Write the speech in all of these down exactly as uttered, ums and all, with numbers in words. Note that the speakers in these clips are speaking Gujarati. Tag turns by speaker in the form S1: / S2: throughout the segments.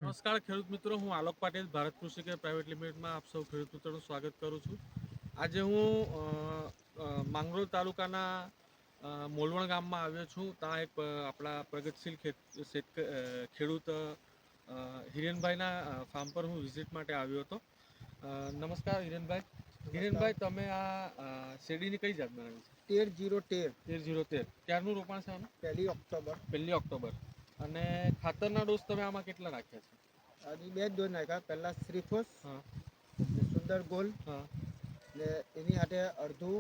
S1: નમસ્કાર ખેડૂત મિત્રો, હું આલોક પાટીલ ભારત કૃષિ કેર પ્રાઇવેટ લિમિટેડમાં આપ સૌ ખેડૂત મિત્રોનું સ્વાગત કરું છું. આજે હું અ, અ, માંગરોળ તાલુકાના અ, મોલવણ ગામમાં આવ્યો છું. ત્યાં એક અ, આપણા પ્રગતિશીલ ખેત શેતક અ, ખેડૂત અ, હિરેનભાઈના અ, ફાર્મ પર હું વિઝિટ માટે આવ્યો હતો. અ, નમસ્કાર હિરેનભાઈ. હિરેનભાઈ, તમે આ અ, શેરડીની કઈ જાત બનાવી છે?
S2: તેર જીરો તેર
S1: તેર જીરો તેર. ક્યારનું રોપાણ છે આનું?
S2: પહેલી ઓક્ટોબર.
S1: પહેલી ઓક્ટોબર. અને ખાતરના ડોઝ તમે આમાં કેટલા નાખ્યા છે?
S2: આજે બે જ ડોઝ નાખ્યા. પહેલા શ્રીફોસ
S1: હા
S2: ને સુંદર ગોલ
S1: હા
S2: ને એની સાથે અડધું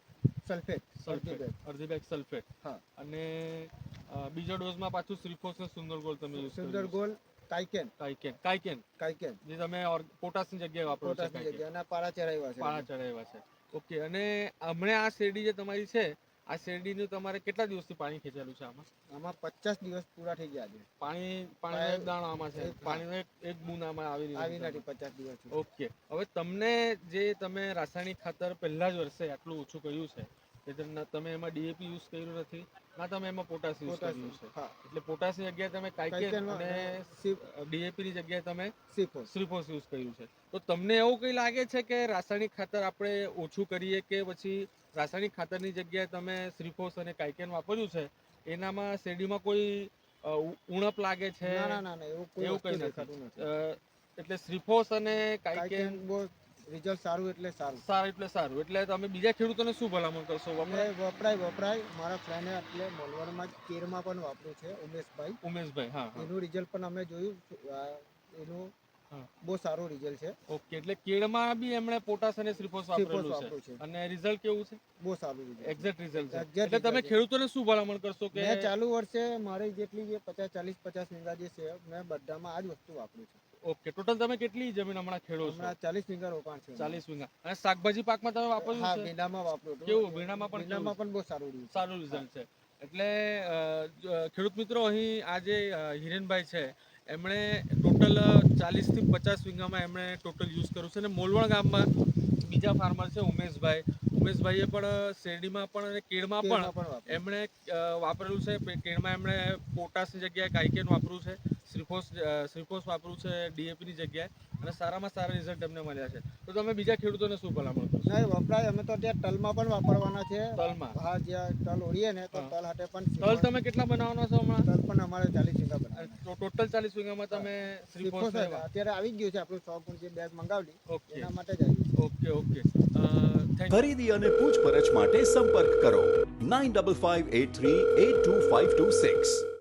S2: સલ્ફેટ અડધી
S1: સલ્ફેટ,
S2: બેગ.
S1: અડધી બેગ સલ્ફેટ.
S2: હા,
S1: અને અ, બીજા ડોઝમાં પાછું શ્રીફોસ ને સુંદર ગોળ તમે યુઝ
S2: સુંદર
S1: કર્યું છે.
S2: ગોલ કાયકેન
S1: કાયકેન કાયકેન
S2: કાયકેન
S1: જે તમે ઓર- પોટાશની જગ્યાએ વાપરો છો.
S2: પોટાશની
S1: કાયકેન
S2: જગ્યાએ એના પાળા ચડાવ્યા છે.
S1: પાળા ચડાવ્યા છે. ઓકે. અને હમણાં આ શેરડી જે તમારી છે, આ શેરડીનું તમારે કેટલા દિવસથી પાણી ખેંચેલું છે આમાં?
S2: આમાં પચાસ દિવસ પૂરા થઈ ગયા છે.
S1: પાણી પાણીનો એક દાણો આમાં છે,
S2: એક- હા.
S1: પાણીનો એક એક બૂંદ આમાં આવી
S2: આવી
S1: નથી.
S2: નથી પચાસ દિવસ.
S1: ઓકે. હવે તમને જે તમે રાસાયણિક ખાતર પહેલા જ વર્ષે આટલું ઓછું કર્યું છે, કે તમને- તમે એમાં ડીએપી યુઝ કર્યું નથી, ના તમે એમાં પોટાશ યુઝ કર્યું છે.
S2: હા,
S1: એટલે પોટાશની જગ્યાએ તમે કાયકેન
S2: કાયકેન
S1: અને
S2: સી-
S1: ડીએપીની જગ્યાએ તમે
S2: શ્રીફોસ.
S1: શ્રીફોસ યુઝ કર્યું છે. તો તમને એવું કંઈ લાગે છે કે રાસાયણિક ખાતર આપણે ઓછું કરીએ, કે પછી રાસાયણિક ખાતરની જગ્યાએ તમે શ્રીફોસ અને કાયકેન વાપર્યું છે, એનામાં શેરડીમાં કોઈ અ, ઉ- ઉણપ લાગે છે?
S2: ના ના ના ના એવું કોઈ
S1: એવું
S2: વસ્તુ
S1: કંઈ
S2: દેખાતું
S1: નથી.
S2: નથી.
S1: અ, એટલે શ્રીફોસ અને
S2: કાયકેન
S1: કાયકેન
S2: બહુ રિઝલ્ટ સારું એટલે સારું.
S1: સારું એટલે સારું. એટલે તમે બીજા ખેડૂતોને શું ભલામણ કરશો?
S2: અને
S1: વપરાય?
S2: વપરાય વપરાય મારા ફ્રેન્ડે એટલે મોલવડમાં જ કેરમાં પણ વાપર્યું છે, ઉમેશભાઈ.
S1: ઉમેશભાઈ. હા હા
S2: એનું રિઝલ્ટ પણ અમે જોયું. આ એનું
S1: હા.
S2: બહુ સારું રિઝલ્ટ છે.
S1: ઓકે. એટલે કેળમાં બી એમણે પોટાશ અને શ્રીફોસ
S2: શ્રીફોસ
S1: વાપરેલું
S2: વાપર્યું
S1: છે,
S2: છે.
S1: અને રિઝલ્ટ કેવું છે?
S2: બહુ સારું રિઝલ્ટ છે.
S1: એક્ઝેક્ટ રિઝલ્ટ છે.
S2: Exact
S1: એટલે તમે
S2: result છે.
S1: ખેડૂતોને શું ભલામણ કરશો કે
S2: મેં ચાલુ વર્ષે મારી જેટલી જે પચાસ ચાલીસ પચાસ વીઘા જે છે, મેં બધામાં આ જ વસ્તુ વાપરી છે.
S1: ઓકે, ટોટલ તમે કેટલી જમીન હમણાં ખેડો છો?
S2: હમણાં ચાલીસ વીઘા રોપાણ છે.
S1: ચાલીસ વીઘા. અને શાકભાજી પાકમાં તમે વાપર્યું
S2: હા,
S1: છે?
S2: ભીંડામાં વાપર્યું હતું.
S1: કેવું? ભીંડામાં પણ
S2: ભીંડામાં
S1: કેવું?
S2: પણ બહુ સારું રહ્યું છે.
S1: સારું રિઝલ્ટ છે. એટલે અ, જ- ખેડૂત મિત્રો, અહીં આ જે અ, હિરેનભાઈ છે, એમણે ટોટલ ચાલીસથી પચાસ વીઘામાં એમણે ટોટલ યુઝ કર્યું છે. અને મોલવણ ગામમાં બીજા ફાર્મર છે, ઉમેશભાઈ. ઉમેશભાઈએ પણ શેરડીમાં પણ અને કેળમાં પણ
S2: કેળમાં પણ વાપર્યું.
S1: એમણે અ, વાપરેલું છે. પે- કેળમાં એમણે પોટાશની જગ્યાએ કાયકેન વાપર્યું છે, શ્રીફોસ અ, શ્રીફોસ વાપર્યું છે ડીએપીની જગ્યાએ, અને સારામાં સારા રિઝલ્ટ એમને મળ્યા છે. તો તમે બીજા ખેડૂતોને શું ભલામણ કરશો?
S2: નહીં વપરાય. અમે તો ત્યાં તલમાં પણ વાપરવાના છે.
S1: તલમાં?
S2: હા, જ્યાં તલ ઓળીએ ને તો
S1: હા.
S2: તલ હાથે પણ
S1: તલ
S2: શ્રીફોસ-
S1: તમે કેટલા બનાવવાના છો હમણાં?
S2: તલ પણ અમારે ચાલીસ વીઘા બનાવવાના છે.
S1: તો ટોટલ ચાલીસ વીઘામાં તમે શ્રીફોસ
S2: શ્રીફોસ જ અત્યારે આવી જ ગયું છે. આપણું સો ગુણ જે બેગ મંગાવેલી
S1: ઓકે
S2: એના માટે જ આવી છે.
S1: Okay okay. થેન્ક
S3: ખરીદી અને પૂછપરછ માટે સંપર્ક કરો nine five five eight three eight two five two six.